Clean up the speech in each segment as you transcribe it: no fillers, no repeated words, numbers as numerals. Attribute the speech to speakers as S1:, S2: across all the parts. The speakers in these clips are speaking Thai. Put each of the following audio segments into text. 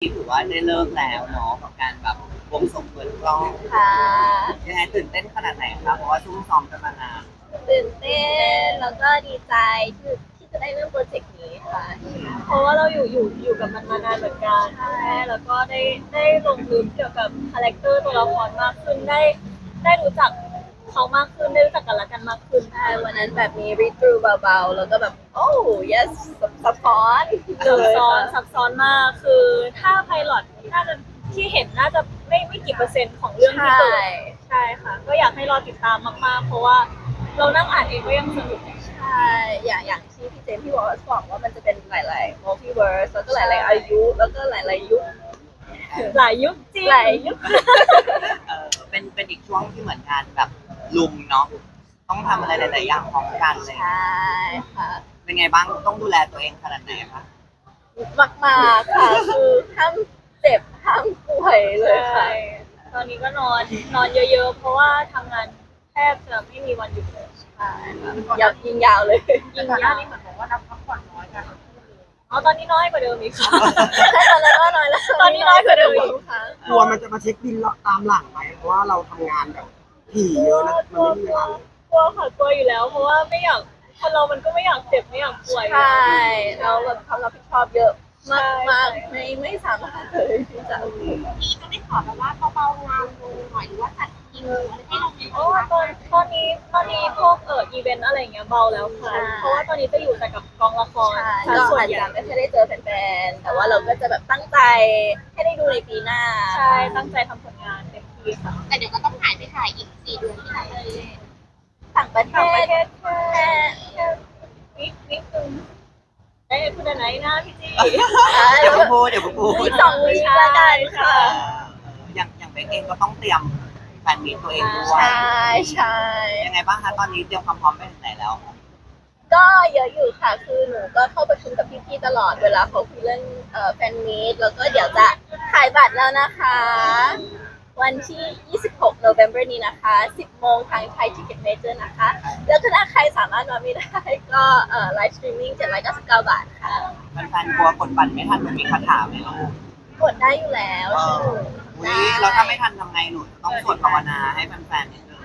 S1: ถือว่าได้เลิกแล้วเนาะกับการแบบวงสงเปิดกล้อง
S2: ค่ะ
S1: ยังไงตื่นเต้นขนาดไหนครับเพราะว่าซุ่มซ้อมกันมานาน
S2: ตื่นเต้นแล้วก็ดีใจที่จะได้เริ่มโปรเจกต์นี้ค่ะเพราะว่าเราอยู่กับมันมานานเหมือนกันใช่แล้วก็ได้ลงลึกเกี่ยวกับคาแรคเตอร์ตัวละครมากขึ้นได้รู้จักเขามากขึ้นได้รู้จักกันและกันมากขึ้นใช่วันนั้นแบบมี read through เบาๆแล้วก็แบบโอ้ yes ซับซ้อนซับซ้อนมากคือถ้าไพลอตน่าจะที่เห็นน่าจะไม่กี่เปอร์เซ็นต์ของเรื่องที่เกิดใช่ค่ะก็อยากให้รอติดตามมากๆเพราะว่าเรานั่งอ่านเองก็ยังสนุกใช่อย่างที่พี่เจมส์พี่วอลบอกว่ามันจะเป็นหลายๆ multiverse แล้วก็หลายๆอายุแล้วก็หลายๆยุคหลายยุคจริงหลายยุค
S1: เป็นอีกช่วงที่เหมือนงานแบบลุมเนาะต้องทำอะไรหลายๆอย่างพร้อมกันเลย
S2: ใช่ค่ะ
S1: เป็นไงบ้างต้องดูแลตัวเองขนาดไหนคะ
S2: มากๆค่ะคือห้ามเจ็บห้ามป่วยเลยค่ะตอนนี้ก็นอนเยอะๆเพราะว่าทำงานแทบจะไม่มีวันหยุดเลยใช่ยิงยาวเลยยิงยาวนี่เหมือนบอกว่านับพักผ่อนน้อยกันอ๋อตอนนี้น้อยกว่าเดิมอีกค่ะตอนนั้นก็น้อยแล้วตอนนี้น้อยกว่าเดิมอีกค่ะ
S3: กลัวมันจะมาเช็คบินตามหลังไหมเพราะว่าเราทำงานแบบถี่เยอะนะมันไม่มีเวลาก
S2: ลัวค่ะกลัวอยู่แล้วเพราะว่าไม่อยากคนเรามันก็ไม่อยากเจ็บไม่อยากป่วยใช่เราแบบความรับผิดชอบเยอะมากไม่สามารถเลยที่จะ
S4: พี่ก็ได้ขอแบบว่าเบาๆงานลงหน่อยหรือว่าจัดคิวอะไรให้เราดี
S2: โอ้ตอนนี้พวกอีเวนต์อะไรเงี้ยเบาแล้วค่ะเพราะว่าตอนนี้จะอยู่แต่กับกองละครก็ส่วนใหญ่ไม่ค่อยได้เจอแฟนๆแต่ว่าเราก็จะแบบตั้งใจให้ได้ดูในปีหน้าใช่ตั้งใจทำผลงานเต็มที่ค่ะ
S4: แต่เดี๋ยวก็ต้องหายไปถ่ายอีก4 เดือนที่ไหนเลย
S2: ต่างประเทศแค่วิคนึงได้พูดอะไรนะพี่จี
S1: เดี๋ยวพูด
S2: อีก2 วีคละกันค่ะ
S1: อย่างเบคเองก็ต้องเตรียมแฟนมีตตัวเองด้วย
S2: ใช่
S1: ยังไงบ้างคะตอนนี้เตรียมความพร้อมไปถึงไหนแล้ว
S2: ก็เยอะอยู่ค่ะคือหนูก็เข้าประชุมกับพี่ๆตลอดเวลาเขาคุยเรื่องแฟนมีตแล้วก็เดี๋ยวจะขายบัตรแล้วนะคะวันที่26 November นี้นะคะ 10 โมงทางไทยทิกเก็ตเมเจอร์นะคะแล้วถ้าใครสามารถมาไม่ได้ก็ไลฟ์สตรีมมิ่ง799 บาทค่ะ
S1: แฟนๆกลัวกดบัตรไม่ทันหนูมีคาถาไหมลูก
S2: กดได้อยู่แล้วใช่
S1: ไหมเราถ้าไม่ทันทำไงหนูต้องสวดภาวนาให้แฟนๆนิดนึง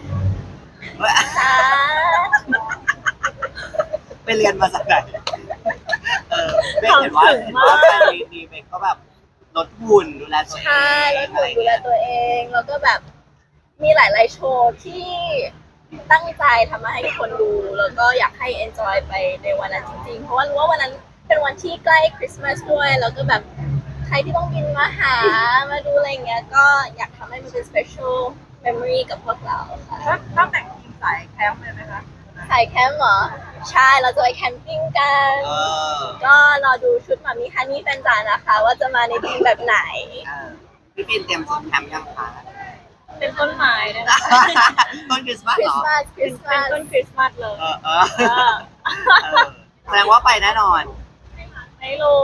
S1: ไปเรียนมาจากไหนเบคเห็นว่าแฟนมีเบคก็แบบลดหุ่นดูแลตัวเอง
S2: ใช่ลดหุ่นดูแลตัวเองแล้วก็แบบมีหลายๆโชว์ที่ตั้งใจทำมาให้ทุกคนดูแล้วก็อยากให้ enjoy ไปในวันนั้นจริงๆเพราะว่ารู้ว่าวันนั้นเป็นวันที่ใกล้คริสต์มาสด้วยแล้วก็แบบใครที่ต้องบินมาหามาดูอะไรเงี้ยก็อยากทำให้มันเป็น special memory กับพวกเราค่ะ
S4: ต้องแต่งทีมสายแคมป์เลยไหมคะ
S2: สายแคมป์เหรอใช่เราจะไปแคมปิ้งกันก็รอดูชุดหมามิฮันนี่แฟนจ๋านะคะว่าจะมาในทีมแบบไหน
S1: พี่ปินเตรียมชุดแคมป์ยังคะ
S2: เป็นต้นไม้นะ
S1: ต้นคริสต์มาสเหรอ
S2: เป็นต้นคริสต์มาสเลย
S1: แสดงว่าไปแน่นอน
S2: ไม่รู้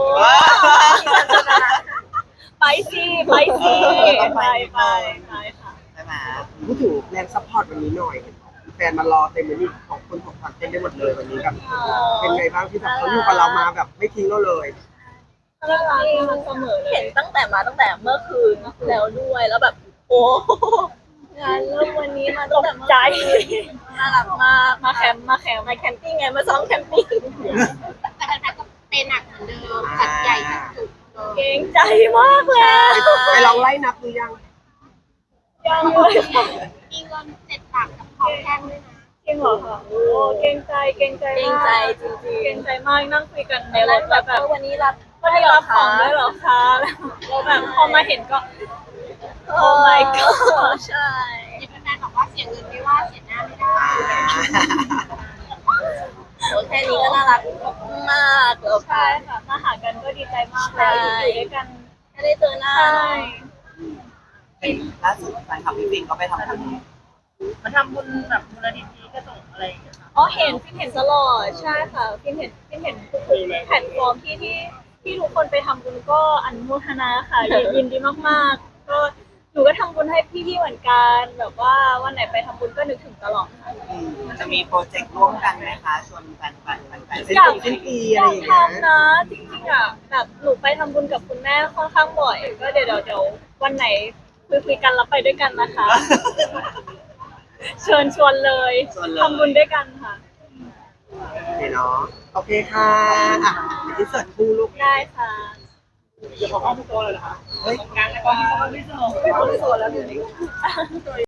S2: ไปสิไปค่ะ
S1: ใช่ไหม
S3: พูดถึงแรงซัพพอร์ตวันนี้หน่อยแฟนมารอเต็มเลยนี่ของคนของขวัญเต็มไปหมดเลยวันนี้แบบเป็นไงบ้างที่แบบเขาอยู่กับเรามาแบบไม่ทิ้งเราเลย
S2: น่ารักมันเสมอเลยเห็นตั้งแต่เมื่อคืนแล้วด้วยแล้วแบบโอ้งานเริ่มวันนี้มาตกใจน่ารักมากมาแคมปิ้งไงมาซ้อมแคมปิ้ง
S4: แต่แฟนๆก็เป็นหนักเหมือนเดิมจัดใหญ่จัดจุก
S2: เก่งใจมากเลย
S3: ไปลองไล่นับดูยัง
S2: เลย
S4: มีเงิน7 หลักกับของแท่งด้วยนะ
S2: จริงเหรอคะโอ้เก่งใจจริงๆเก่งใจมากนั่งคุยกันในรถแบบวันนี้รับของด้วยเหรอคะแล้วแบบพอมาเห็นก็โอ้ my god ใช่
S4: แฟนๆบอกว่าเสียเงินไม่ว่าเสียหน้าไม่ได้
S2: โอ้แค่นี้ก็น่ารักมากแล้วใช่ค่ะมาหากันก็ดีใจมากแล้วอยู่ด้วยกันไม่ได้เจอหน้า
S1: ล่าสุดแฟนคลับพี่ปินก็ไปทำบุญ
S4: มาทำบุญแบบมูลนิธิกระจกอะไรอย่างเงี้ย
S2: อ๋อเห็นตลอดใช่ค่ะพิมเห็นทุกแพลตฟอร์มที่ทุกคนไปทำบุญก็อนุโมทนาค่ะยินดีมากๆก็หนูก็ทำบุญให้พี่ๆเหมือนกันแบบว่าวันไหนไปทำบุญก็นึกถึงตลอดค่ะ
S1: จะมีโปรเจกต์ร่วมกันไหมคะชวนแฟน
S2: อยากทำนะจริงริงๆอ่ะแบบหนูไปทำบุญกับคุณแม่ค่อนข้างบ่อยก็เดี๋ยววันไหนคุยกันแล้วไปด้วยกันนะคะ เชิญชวนเลยทำบุญด้วยกันค่ะ
S3: โอเคเนาะโอเคค่ะอ่ะอินเสิร์ตคู่ลูก
S2: ได้ค่ะ
S3: เดี๋ยวขอเข้าพี่โตเลยนะคะ
S1: เฮ้ย
S3: งานแล้วก็พี่โตแล้ว